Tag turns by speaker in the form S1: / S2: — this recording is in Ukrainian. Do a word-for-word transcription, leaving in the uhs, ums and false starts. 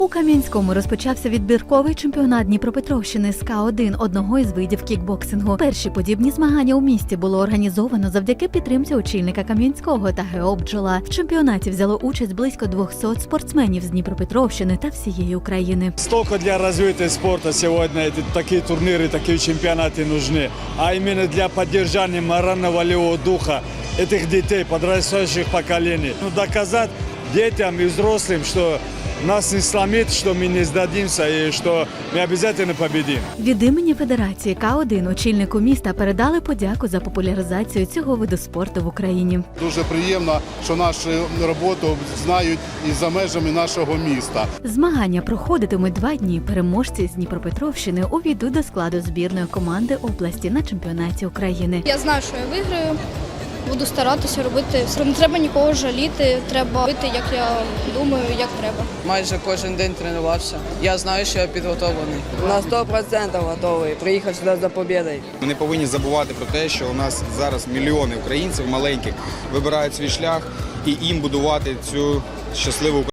S1: У Кам'янському розпочався відбірковий чемпіонат Дніпропетровщини з Ка один, одного із видів кікбоксингу. Перші подібні змагання у місті було організовано завдяки підтримці очільника Кам'янського та ГО «Бджола». В чемпіонаті взяло участь близько двохсот спортсменів з Дніпропетровщини та всієї України.
S2: Столько для развития спорта сегодня такие турниры, такие чемпионаты нужны, а именно для поддержания морально-волевого духа этих детей, подрастающих поколений. Ну, доказать детям и взрослым, что нас не сломит, что мы не сдадимся и что мы обязательно победим.
S1: Від імені Федерації Ка один очільнику міста передали подяку за популяризацію цього виду спорту в Україні.
S3: Дуже приємно, що нашу роботу знають і за межами нашого міста.
S1: Змагання проходитимуть два дні. Переможці з Дніпропетровщини увійдуть до складу збірної команди області на чемпіонаті України.
S4: Я знаю, що я виграю. Буду старатися робити. Не треба нікого жаліти, треба робити, як я думаю, як треба.
S5: Майже кожен день тренувався. Я знаю, що я підготовлений.
S6: На сто відсотків готовий. Приїхав сюди за перемогою.
S7: Ми не повинні забувати про те, що у нас зараз мільйони українців маленьких вибирають свій шлях і їм будувати цю щасливу Україну.